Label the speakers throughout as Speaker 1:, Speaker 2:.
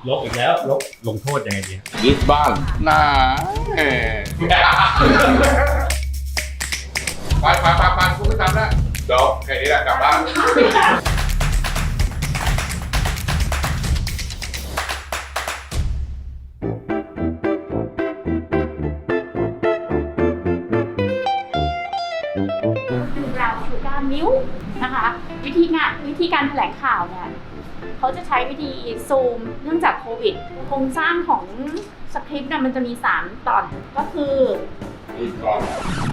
Speaker 1: ลบอีกแล้วลงโทษยังไงดี
Speaker 2: ยึดบ้านน่าไปคุณไม่ทำแล้วเดี๋ยวแค่นี้แหละกลับบ้าน
Speaker 3: เราคือการมิ้วนะคะ วิธีการแถลงข่าวเนี่ยเขาจะใช้วิธีซูมเนื่องจากโควิดโครงสร้างของสคริปต์เนี่ยมันจะมี3ตอนก็คือ
Speaker 2: ดูก่อน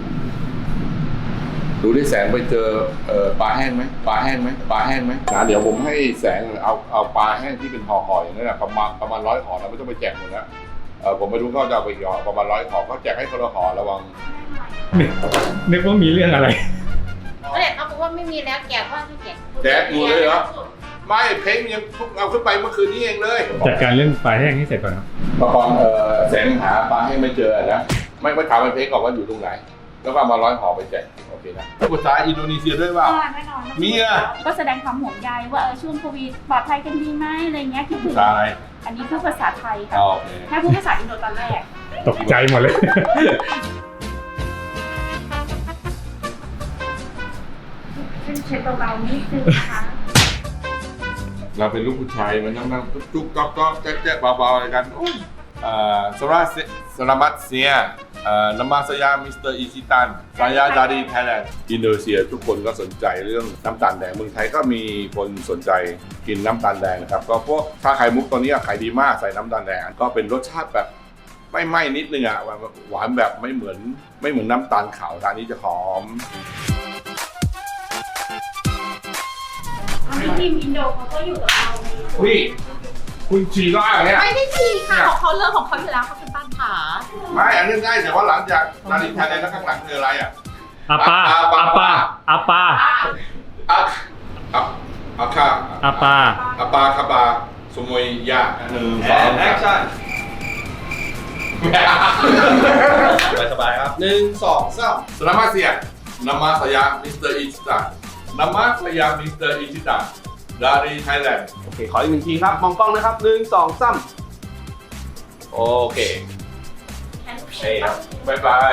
Speaker 2: ดูที่แสงไปเจอปลาแห้งไหมปลาแห้งไหมนะเดี๋ยวผมให้แสงเอาปลาแห้งที่เป็นห่อๆอย่างนั้นนะประมาณ100ห่อเราไม่ต้องไปแจกหมดแล้วผมไม่รู้เขาจะเอาไปกี่ห่อประมาณ100ห่อเขาแจกให้คนละห่อระวัง
Speaker 1: นึกว่ามีเรื่องอะไร
Speaker 4: ก็เลยเขาบอกว่าไม่มีแล้วแจกว่าไม่แจก
Speaker 2: แจกหมดเลยเหรอไม่เพ้งยังเอาขึ้นไปเมื่อคืนนี้เองเลย
Speaker 1: จัดการเรื่องปลาแห้งให้เสร็จก่อนครับ
Speaker 2: ตอนแสงหาปลาให้ไม่เจอนะไม่ถามมันเพ้งก่อนว่าอยู่ตรงไหนแล้วก็มา100ห่อไปแจกโอเคนะภาษาอินโดนีเซียด้วยว่า
Speaker 3: แน่นอน
Speaker 2: มีอ่ะ
Speaker 3: ก็แสดงความห่วงใยว่าช่วงโควิดปลอดภัยกันดีไหมอะไรเงี้ยคิดถึง
Speaker 2: ภาษาอะไร
Speaker 3: อันนี้พูดภาษาไทยค่ะ
Speaker 2: โอเค
Speaker 3: แค่พูดภาษาอินโดตอนแรก
Speaker 1: ตกใจหมดเลย
Speaker 3: ซึ่งเช็ดเบาๆนิดนึงนะคะ
Speaker 2: เราเป็นลูกผู้ชายมันต้องนั่งจุ๊กก๊อกแจ๊กเบาๆอะไรกันสลามัตเซียนามาสยามิสเตอร์อิชิตันสายาดารีไทยแลนด์อินโดนีเซียทุกคนก็สนใจเรื่องน้ำตาลแดงเมืองไทยก็มีคนสนใจกินน้ำตาลแดงนะครับก็พวกชาไข่มุกตอนนี้ขายดีมากใส่น้ำตาลแดงก็เป็นรสชาติแบบไม่ไหม้นิดนึงอ่ะหวานแบบไม่เหมือนน้ำตาลขาวทานนี้จะหอม
Speaker 3: อันนี้ทีมอินโดเขาก็อยู่กับเราใน
Speaker 2: อุ้ยคุณฉี่ก็อะไรเนี่ย
Speaker 4: ไม่ได้ทีค่ะของเขาเรื่องของเขาอยู่แล้วเขาเป็นบ้านผา
Speaker 2: ไม่อันนี้ได้แต่ว่าหลังจากนาฬิกาแดงแล้วข้างหลังคืออะไรอ่ะ
Speaker 1: อาปาอาปาอาปา
Speaker 2: อาคา
Speaker 1: อาปา
Speaker 2: อาปาคาบาสมุยยา1 2 แอคชั่น
Speaker 5: สบายๆครับ1 2 3
Speaker 2: สลามาเซียนามาสยามิสเตอร์อิชิตะนามาสยามิสเตอร์อิชิตะดารีไทยแลนด์
Speaker 5: โอเค ขออีก1ทีครับ มองกล้องนะครับ1 2 3โอเคเฮ้ยครับ
Speaker 2: บายบาย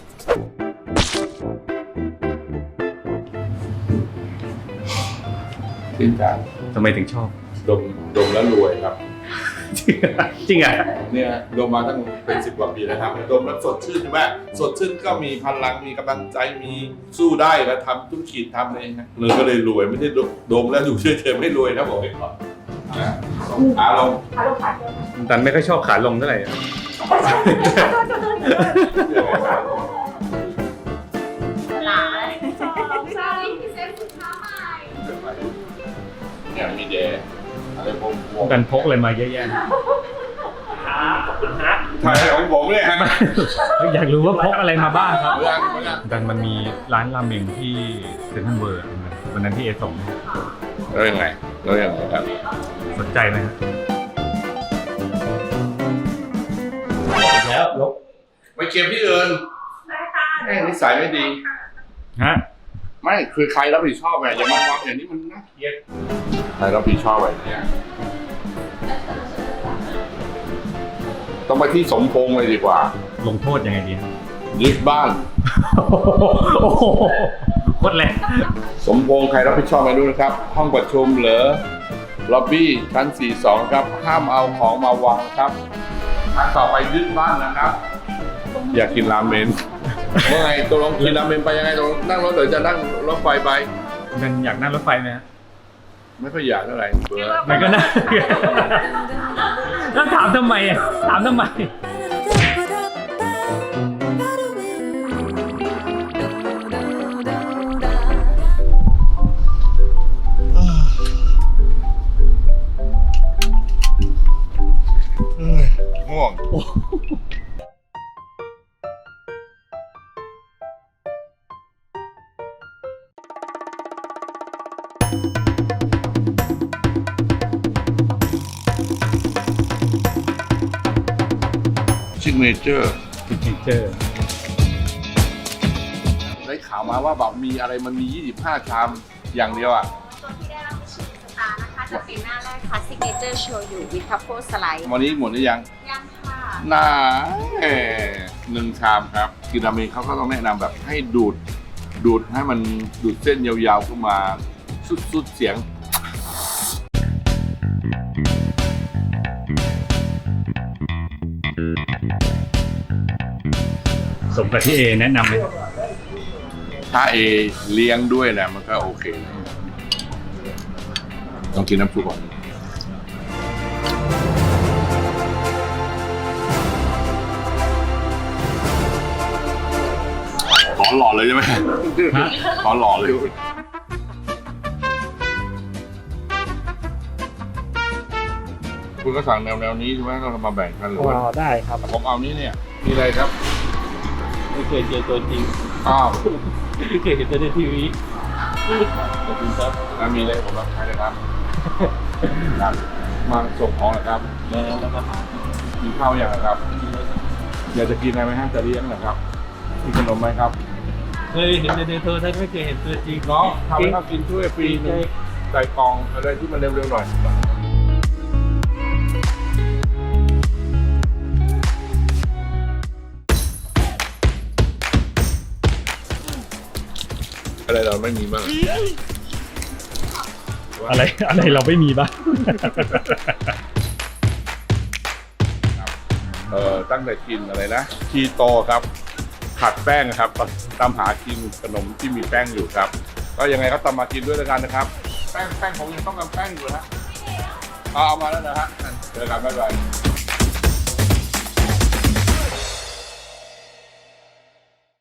Speaker 2: จริงจัง
Speaker 1: ทำไมถึงชอบ
Speaker 2: ดมแล้วรวยครับ
Speaker 1: จริงอ่ะ
Speaker 2: เนี่ยดมมาตั้งเป็น10 กว่าปีแล้วครับดมแล้วสดชื่นใช่ไหมสดชื่นก็มีพลังมีกำลังใจมีสู้ได้แล้วทำธุรกิจทำอะไรนะเลยก็เลยรวยไม่ใช่ดมแล้วอยู่เฉยๆไม่รวยนะบอกไว้ก่อนนะอารมณ์
Speaker 3: ขาลงขาเดิน
Speaker 1: ตันไม่ค่อยชอบขาลงเท่าไหร่อะ
Speaker 4: หลา
Speaker 2: เนี่ยมีเดย์อะไรพวง
Speaker 1: ตันพกอะไรมาเยอะแยะ
Speaker 2: ถ่ายของผมเนี่ย
Speaker 1: อยากรู้ว่าพกอะไรมาบ้างครับ
Speaker 2: เรื่อง
Speaker 1: ดันมันมีร้านราเมงที่เซ็นทรัลเวิร์วันนั้นที่เอส่ง
Speaker 2: แล้วยังไงครับ
Speaker 1: สนใจไหมครับแล้วลบ
Speaker 2: ไปเก็บที่อื่นแม่งนิสัยไม่ดี
Speaker 1: ฮะ
Speaker 2: ไม่คือใครรับผิดชอบไงอย่ามาความอย่างนี้มันน่าเกลียดใครรับผิดชอบอะไรเนี่ยต้องไปที่สมพงษ์เลยดีกว่า
Speaker 1: ลงโทษยังไงดีครับ
Speaker 2: ยึดบ้าน
Speaker 1: โอ้โหโคตรแรง
Speaker 2: สมพงษ์ใครรับผิดชอบไม่รู้นะครับ ห้องประชุมเหรอล็อบบี้ชั้น 42 ครับ ห้ามเอาของมาวางครับอันต่อไปยึดบ้านนะครับ อยากกินราเมนเมื่อไงตกลงกินราเมนไปยังไงตกลงนั่งรถหรือจะนั่งรถไฟไป
Speaker 1: มันอยากนั่งรถไฟไหมฮะ
Speaker 2: ไม่ค่อยอยากเท่าไหร่เบื่อ
Speaker 1: มันก็น่าแล้วถามทำไมอ่ะถามทำไม
Speaker 2: ง่วง ซิกเนเจอร์
Speaker 1: ซิกเนเจอร์
Speaker 2: ได้ข่าวมาว่าแบบมีอะไรมันมี 25 ชามอย่างเดียวอ่ะ
Speaker 4: ตัวที่ได้รับชื่อสตาร์นะคะจะเป็นหน้าแรกนะคะ signature shoyu with truffle slice
Speaker 2: วันนี้หมดหรือยัง
Speaker 4: ยังค่ะ
Speaker 2: น่าหนึ่งชามครับกินราเมงเขาก็ต้องแนะนำแบบให้ดูดให้มันดูดเส้นยาวๆขึ้นมาสุดๆเสียง
Speaker 1: สมกับที่เอแนะนำไหม
Speaker 2: ถ้าเอเลี้ยงด้วยนะมันก็โอเคนะต้องกินน้ำซุปก่อนขอหล่อเลยใช่ไหม
Speaker 1: ฮะ
Speaker 2: ขอหล่อเลยคุณก็สั่งแนวนี้ใช่ไหมเรามาแบ่งกันหรือว่า
Speaker 5: ได้ครับ
Speaker 2: ผมเอานี้เนี่ยมีอะไรครับ
Speaker 5: ไม่เคยเจอตัวจริง
Speaker 2: อ้าว
Speaker 5: ไม่เคยเห็นแต่ในทีวีขอบคุณครับ
Speaker 2: แล้วมีอะไรผมรับใช้เลยครับ ครับมาส่งของนะครับ
Speaker 5: แล้วครับ
Speaker 2: มีข้าวอย่างนะครับ อยากจะกินอะไรไหมฮะจะเลี้ยงนะครับมีขนมไหมครับ
Speaker 5: เคยเห็นในโทรทัศน์ไม่เคยเห็นตัวจริง
Speaker 2: เนาะทำให้เขากินช่วยฟรีหนึงใส่กล่องอะไรที่มันเร็วๆหน่อยอะไรเราไม่มีบ้าง
Speaker 1: อะไรเราไม่มีบ้าง
Speaker 2: ตั้งแต่กินอะไรนะคีโตครับขัดแป้งครับตามหากินขนมที่มีแป้งอยู่ครับ ก็ยังไงก็ตามมากินด้วยแล้วกันนะครับ แป้งผมยังต้องการแป้งอยู่นะเอามาแล้วนะฮะเจอกันบ๊ายบาย